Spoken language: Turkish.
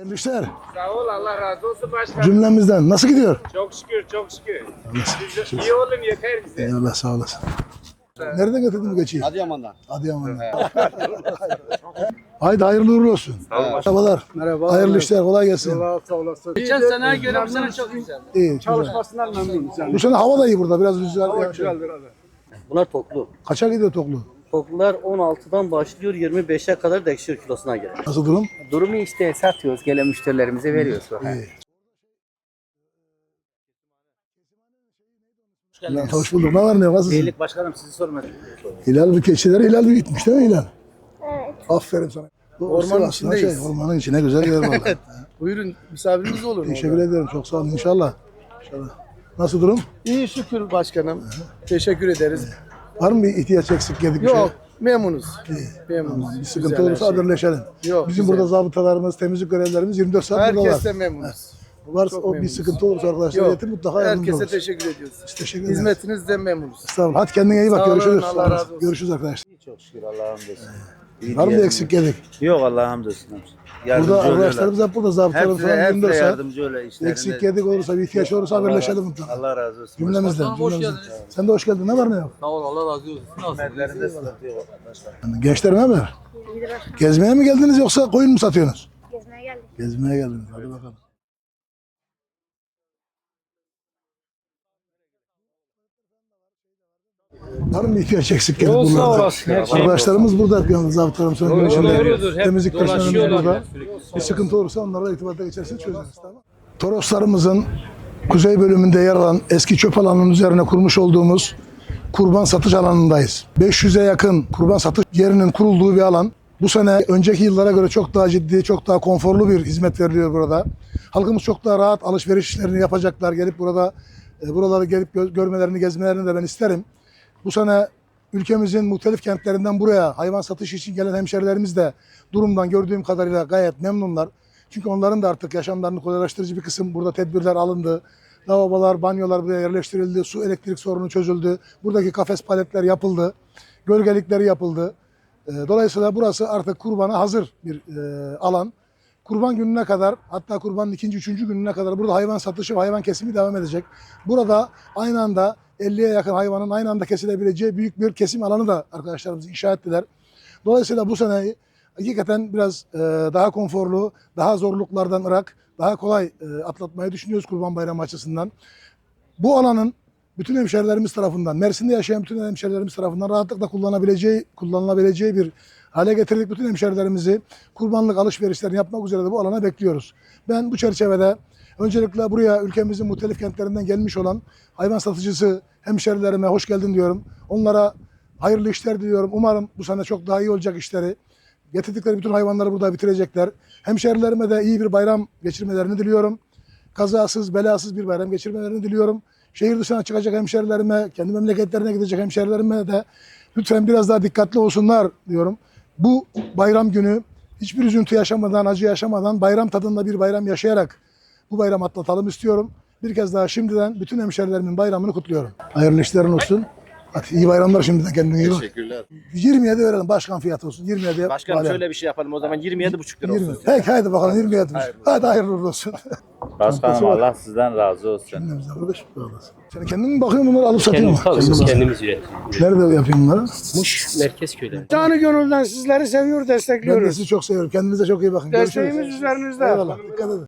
Hayırlı işler. Sağ ol, Allah razı olsun başkanım. Cümlemizden. Nasıl gidiyor? Çok şükür, çok şükür. Siz iyi olun yeter bize. Eyvallah, sağ olasın. Nereden getirdin bu geçiyi? Adıyaman'dan. Adıyaman'dan. Haydi hayırlı uğurlu olsun. Merhabalar. Merhaba. Hayırlı işler, kolay gelsin. Sağ olasın. Geçen seneye göre bu sene çok güzel. İyi, güzel. Çalışmasından memnunuz yani. Bu sene hava da iyi burada, biraz rüzgar. Hava güzeldir abi. Bunlar toklu. Kaça gidiyor toklu? Toklular 16'dan başlıyor 25'e kadar değişiyor kilosuna göre. Nasıl durum? Durumu işte satıyoruz, gelen müşterilerimize veriyoruz. İyi. Hilal, hoş bulduk. Ne var ne yok? Nasılsın? Beylik başkanım sizi sormadım. Hilal bu keçiler Hilal büyütmüş değil mi Hilal? Evet. Aferin sana. Bu Ormanın Sivas'ın içindeyiz. ormanın içine güzel yer var. Buyurun misafirimiz olun. Teşekkür ederim. Çok sağ olun. İnşallah. İnşallah. Nasıl durum? İyi şükür başkanım. Teşekkür ederiz. Var mı bir ihtiyaç eksik yedik bir şey? Yok memnunuz. Memnunuz. Bir sıkıntı Güzel her olursa şey. haberleşelim. Yok, Bizim güzel. burada zabıtalarımız, temizlik görevlilerimiz 24 saat Herkes buradalar. de memnunuz. Varsa çok o bir memnunuz. sıkıntı olursa arkadaşlar Yok. iletin mutlaka yardımcı Herkese oluruz. teşekkür ediyoruz. Teşekkür ederiz. Hizmetinizden memnunuz. Sağ olun. Hadi kendine iyi bak. Sağ olun, Görüşürüz. Allah razı olsun. Görüşürüz arkadaşlar. Çok şükür Allah'a hamdolsun. Var mı bir eksik yedik? Yok Allah'a hamdolsun. Burada arkadaşlarımız hep burada. Zabıtalarımız falan 24 Hepsi saat. yardımcı öyle işlerinde. Eksik yedik olursa, bir ihtiyaç olursa haberleşelim mutlaka. Allah razı olsun. Cümlemizden. Cümlemizden. Sen de hoş geldin. Ne var ne yok? Sağ ol Allah razı olsun. Hizmetlerinde sıkıntı yok. Gençler ne haber? Gezmeye mi geldiniz yoksa koyun mu satıyorsunuz? Gezmeye geldik. Gezmeye geldiniz. Hadi bakalım. Var mı ihtiyaç eksik yedik Olsa bunlarda? olasın, her şey Arkadaşlarımız burada hep yanımızda. Zabıtalarımız sonra görüşürüz. doğrudur, hep Temizlik personelimiz dolaşıyorlar burada. ya, sürekli. Bir sıkıntı olursa onlarla irtibata geçersiniz çözeriz. Tamam. Toroslarımızın kuzey bölümünde yer alan eski çöp alanının üzerine kurmuş olduğumuz kurban satış alanındayız. 500'e yakın kurban satış yerinin kurulduğu bir alan. Bu sene önceki yıllara göre çok daha ciddi, çok daha konforlu bir hizmet veriliyor burada. Halkımız çok daha rahat alışveriş işlerini yapacaklar. Gelip burada buraları gelip görmelerini, gezmelerini de ben isterim. Bu sene ülkemizin muhtelif kentlerinden buraya hayvan satış için gelen hemşerilerimiz de durumdan gördüğüm kadarıyla gayet memnunlar. Çünkü onların da artık yaşamlarını kolaylaştırıcı bir kısım burada tedbirler alındı. Lavabolar, banyolar buraya yerleştirildi. Su, elektrik sorunu çözüldü. Buradaki kafes paletler yapıldı. Gölgelikleri yapıldı. Dolayısıyla burası artık kurbana hazır bir alan. Kurban gününe kadar, hatta kurbanın ikinci, üçüncü gününe kadar burada hayvan satışı ve hayvan kesimi devam edecek. Burada aynı anda 50'ye yakın hayvanın aynı anda kesilebileceği büyük bir kesim alanı da arkadaşlarımız inşa ettiler. Dolayısıyla bu sene hakikaten biraz daha konforlu, daha zorluklardan ırak, daha kolay atlatmayı düşünüyoruz Kurban Bayramı açısından. Bu alanın bütün hemşerilerimiz tarafından, Mersin'de yaşayan bütün hemşerilerimiz tarafından rahatlıkla kullanılabileceği bir hale getirdik. Bütün hemşerilerimizi kurbanlık alışverişlerini yapmak üzere de bu alana bekliyoruz. Ben bu çerçevede öncelikle buraya ülkemizin muhtelif kentlerinden gelmiş olan hayvan satıcısı hemşerilerime hoş geldin diyorum. Onlara hayırlı işler diliyorum. Umarım bu sene çok daha iyi olacak işleri. Getirdikleri bütün hayvanları burada bitirecekler. Hemşerilerime de iyi bir bayram geçirmelerini diliyorum. Kazasız, belasız bir bayram geçirmelerini diliyorum. Şehir dışına çıkacak hemşerilerime, kendi memleketlerine gidecek hemşerilerime de lütfen biraz daha dikkatli olsunlar diyorum. Bu bayram günü hiçbir üzüntü yaşamadan, acı yaşamadan bayram tadında bir bayram yaşayarak bu bayramı atlatalım istiyorum. Bir kez daha şimdiden bütün hemşerilerimin bayramını kutluyorum. Hayırlı işlerin olsun. Hadi iyi bayramlar şimdiden, kendine iyi bak. Teşekkürler. 27 verelim, başkan fiyatı olsun. 27'ye Başkanım bari. şöyle bir şey yapalım o zaman 27,5 lira 20. olsun. Peki hadi bakalım 27. Hadi hayırlı uğurlu olsun. Başkanım Allah sizden razı olsun. Kendimize kardeş. Sen kendin mi bakıyorsun bunları alıp satıyor mu? Kendimiz üretiyoruz. Nerede yapıyorsun bunları? Muş Merkezköy'de. Canı gönülden sizleri seviyor, Ben de destekliyoruz. sizi çok seviyorum. Kendinize çok iyi bakın. Desteğimiz Görüşürüz. üzerinizde. Eyvallah. Dikkat edin.